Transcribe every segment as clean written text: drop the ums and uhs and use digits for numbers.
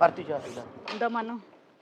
आरतीच्या हातीला दमानं.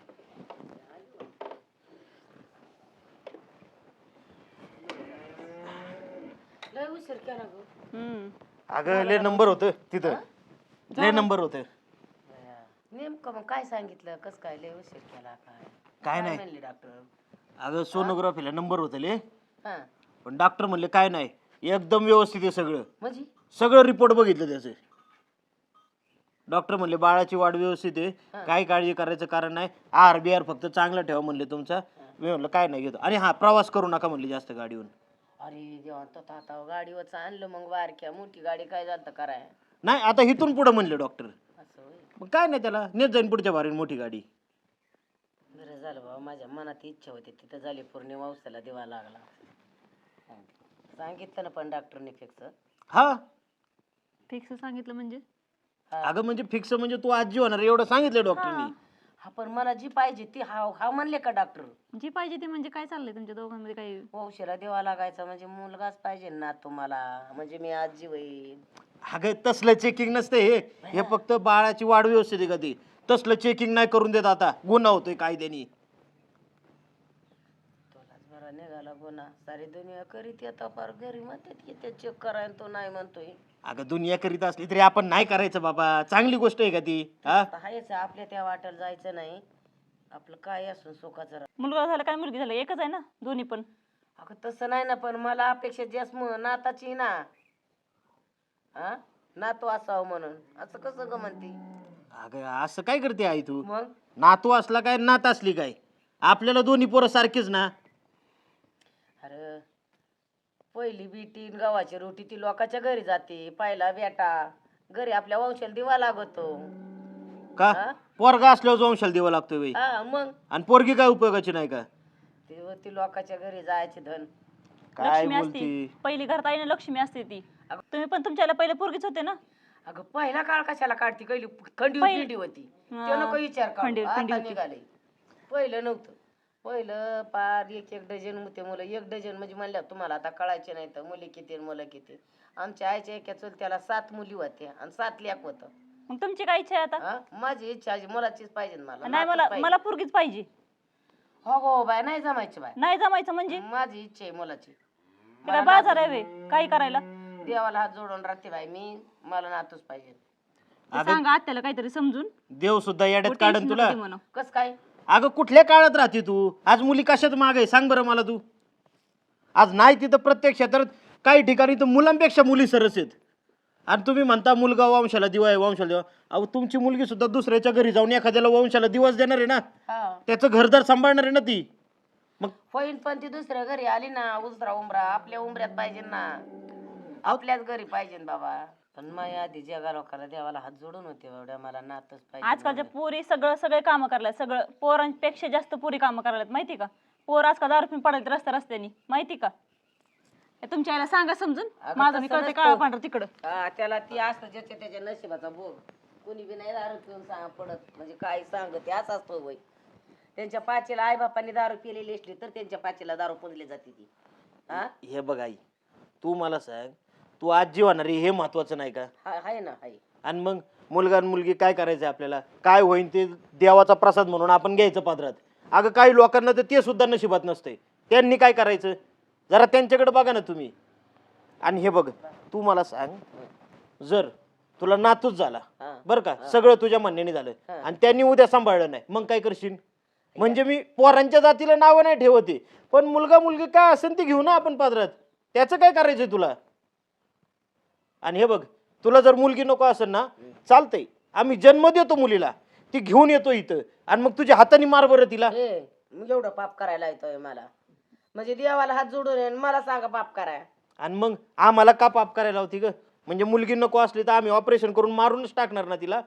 लय उशीर केला गं. अगं लय नंबर होतं तिथं, लय नंबर होतं. नेमकं मग काय सांगितलं, कस काय लय उशीर केला, काय नाही. म्हणले डॉक्टर? अगं सोनोग्राफीला नंबर होते ले, हा पण डॉक्टर म्हणले काय नाही, एकदम व्यवस्थित आहे सगळं. म्हणजे सगळं रिपोर्ट बघितलं त्याचे. डॉक्टर म्हणले बाळाची वाढ व्यवस्थित आहे, काही काळजी करायचं कारण नाही, आहार बिहार फक्त चांगला ठेवा म्हणले तुमचा. मी म्हणलं काय नाही घेतो. आणि हा प्रवास करू नका म्हणले जास्त गाडीवर. अरे देवा, तर आता गाडीवरच आणलं मग वारक्या, मोठी गाडी काय झालं कराय नाही आता इथून पुढे म्हणले डॉक्टर. असं होय. मग काय नाही, त्याला नेत जाईन पुढच्या बारीन मोठी गाडी. बरं झालं बाबा, माझ्या मनात इच्छा होती तिथं झाली पूर्ण वंशाला दिवा लागला. सांगितलं ना पण डॉक्टरने फिक्स. हा फिक्स सांगितलं म्हणजे अगं म्हणजे फिक्स म्हणजे तू आजी होणार एवढं सांगितलं डॉक्टरनी. हा पण मला जी पाहिजे ती हा म्हणले का डॉक्टर? जी पाहिजे ते म्हणजे काय चाललंय तुमच्या दोघांमध्ये काही? वंशाला दिवा लागायचा म्हणजे मुलगाच पाहिजे ना तुम्हाला, म्हणजे मी आजी होईल. अगं तसलं चेकिंग नसते हे फक्त बाळाची वाढ व्यवस्थित आहे का ती, तसलं चेकिंग नाही करून देत. आता गुन्हा होतोय कायद्यानी. तुलाच बरा निघाला गुन्हा, सारी दुनिया करीत येता फार घरी म्हणतात की ते चेक करायला तो नाही म्हणतोय. अगं दुनिया करीत असली तरी आपण नाही करायचं बाबा, चांगली गोष्ट आहे का ती? हा हायच आपल्या त्या वाटेला जायचं नाही, आपलं काय असून सुखाचं राहा. मुलगा झाला काय मुलगी झाला एकच आहे ना दोन्ही पण? अगं तसं नाही ना, पण मला अपेक्षा जास्त नाताची ना. हा नातू असावं म्हणून, असं कसं ग म्हणते? अगं असं काय करते आई तू? मग नातू असला काय नात असली काय, आपल्याला दोन्ही पोरं सारखीच ना. अरे पहिली बीटी गव्हाची रोटी ती लोकांच्या घरी जाते, पहिला बेटा घरी आपल्या वंशाला दिवा लागतो का हा? पोरगा असल्यावर वंशाला दिवा लागतोय बाई, हा मग आणि पोरगी काय उपयोगाची नाही का? ती लोकांच्या घरी जायची धन. काय लक्ष्मी असते बोलती? पहिली घरात आईने लक्ष्मी असते ती. तुम्ही पण तुमच्याला पहिले पोरगीच होते ना? अगं पहिला काळ कशाला काढती, पहिली खंडी पिंडी होती, ते नको विचार खंडी काढू, आता होती. निघाले. पहिलं नव्हतं, पहिलं पार एक एक डझन होते मुलं, एक डझन म्हणजे म्हणल्या तुम्हाला आता कळायचे नाही तर मुली किती आणि मुलं किती. आमच्या आईच्या एका चुलत्याला 7 मुली होत्या आणि 7 लेक होतं. मग तुमची काय इच्छा आहे आता? हा माझी इच्छा आहे, मुलाचीच पाहिजे मला, नाही, नातूच मला पाहिजे. मला पोरगीच पाहिजे. हो हो बाय, नाही जमायची बाय, नाही जमायचं म्हणजे माझी इच्छा आहे मुलाची. ते काय बाजार आहे वे काय करायला? देवाला हात जोडून राहते बाई मी, मला नातूच पाहिजे. ते सांगा आत्याला काहीतरी समजून. देव सुद्धा येड्यात टेन्शन काढन नको तुला. देऊ म्हणू. कस काय? अगं कुठल्या काळात राहते तू? आज मुली कशात माग आहे सांग बरं मला तू. आज नाही तिथं प्रत्येक क्षेत्रात काही ठिकाणी तर मुलांपेक्षा मुली सरस आहेत. आणि तुम्ही म्हणता मुलगा वंशाला दिवा आहे, वंशाला दिवा. अहो तुमची मुलगी सुद्धा दुसऱ्याच्या घरी जाऊन एखाद्याला वंशाला दिवस देणार आहे ना, हा त्याचं घरदार सांभाळणार आहे ना ती. मग होईन पण ती दुसऱ्या घरी आली ना, उजरा उमरा आपल्या उमऱ्यात पाहिजे ना, आपल्याच घरी पाहिजे ना बाबा. पण माझ्या आधी जगा लोकांना देवाला हात जोडून होते एवढ्या, मला नातच पाहिजे. आजकालच्या पोरी सगळे कामं करायला, सगळं पोरांपेक्षा जास्त पोरी कामं करायला माहिती का? पोर आजकाल दारू पिऊन पडायला रस्त्यानी माहिती का? हे तुमच्या आईला सांगा समजून. माझं मी तसं कळते नसतं. काळा पांढरं तिकडं. हा त्याला ती असतं ज्याच्या त्याच्या नशिबाचा भोग. कुणी बी नाही दारू पिऊन पडत, म्हणजे काय सांगते असं असतो वय. त्यांच्या पाचीला आई बापांनी दारू पिलेली असली तर त्यांच्या पाचीला दारू पुजली जाते ती. हा हे बघ आई, तू मला सांग, तू आजी होणार आहे हे महत्वाचं नाही का? आहे ना आहे. आणि मग मुलगा आणि मुलगी काय करायचं आपल्याला, काय होईन ते देवाचा प्रसाद म्हणून आपण घ्यायचं पादरात. अगं काही लोकांना तर ते सुद्धा नशिबात नसते, त्यांनी काय करायचं? जरा त्यांच्याकडे बघा ना तुम्ही. आणि हे बघ, तू मला सांग, जर तुला नातूच झाला बरं का, सगळं तुझ्या म्हणण्याने झालं आणि त्यांनी उद्या सांभाळलं नाही, मग काय करशील? म्हणजे मी पोरांच्या जातीला नावं नाही ठेवते, पण मुलगा मुलगी काय असेल ते घेऊ ना आपण पादरात, त्याचं काय करायचंय तुला? आणि हे बघ, तुला जर मुलगी नको असेल ना, चालतंय, आम्ही जन्म देतो मुलीला, ती घेऊन येतो इथं, आणि मग तुझ्या हाताने मार बरं तिला. मग एवढं पाप करायला येतोय मला, म्हणजे देवाला हात जोडून आहे आणि मला सांगा पाप कराय. आणि मग आम्हाला का पाप करायला होती ग? म्हणजे मुलगी नको असली तर आम्ही ऑपरेशन करून मारूनच टाकणार ना तिला.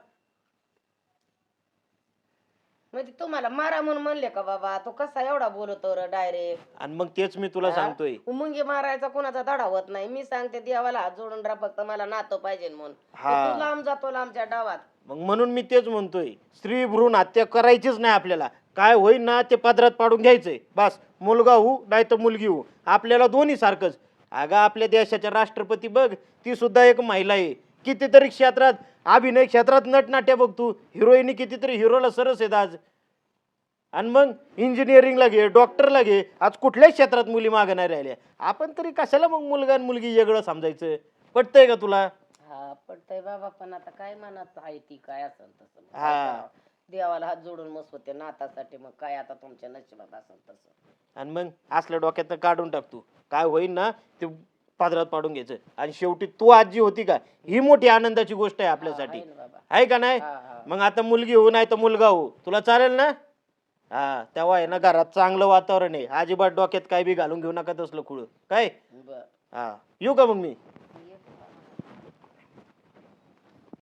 म्हणजे तुम्हाला मारा म्हणून म्हणले का बाबा? तो कसा एवढा बोलतो र डायरेक्ट? आणि मग तेच मी तुला सांगतोय, मुंगी मारायचा कोणाचा धडा होत नाही. मी सांगते देवाला हात जोडून राहा, फक्त मला नातो पाहिजे म्हणून. तू लांब जातो लांबच्या डावात. मग म्हणून मी तेच म्हणतोय, स्त्री भ्रूण हत्या करायचीच नाही आपल्याला. काय होईल ना ते पदरात पाडून घ्यायचंय बस. मुलगा हो नाही तर मुलगी हो, आपल्याला दोन्ही सारखंच. अगं आपल्या देशाच्या राष्ट्रपती बघ, ती सुद्धा एक महिला आहे. कितीतरी क्षेत्रात, अभिनय क्षेत्रात नटनाट्य बघ तू, हिरोईनी कितीतरी हिरोला सरस आहेत आज. आणि मग इंजिनिअरिंगला घे, डॉक्टरला घे, आज कुठल्याच क्षेत्रात मुली मागे नाही राहिल्या. आपण तरी कशाला मग मुलगा आणि मुलगी वेगळं समजायचं? पटतंय का तुला? हा पडतंय बाबा, पण आता काय मनात आहे ती काय असेल तसं मग हा. काय करावं? देवाला हात जोडून मस्त होते नातासाठी, मग काय आता तुमच्या नशिबात असेल तसं. आणि मग असल्या डोक्यातनं काढून टाक तू. काय होईल ना ते पदरात पाडून घ्यायचं. आणि शेवटी तू आजी होती का, ही मोठी आनंदाची गोष्ट आहे आपल्यासाठी. आहे ना बाबा. आहे का नाही? हा हा मग आता मुलगी हो नाही तर मुलगा हो, तुला चालेल ना? हा, तेव्हा आहे ना घरात चांगलं वातावरण आहे. अजिबात डोक्यात काय बी घालून घेऊ नका तसलं खुळ काय. बर. हा, येऊ का मग मी?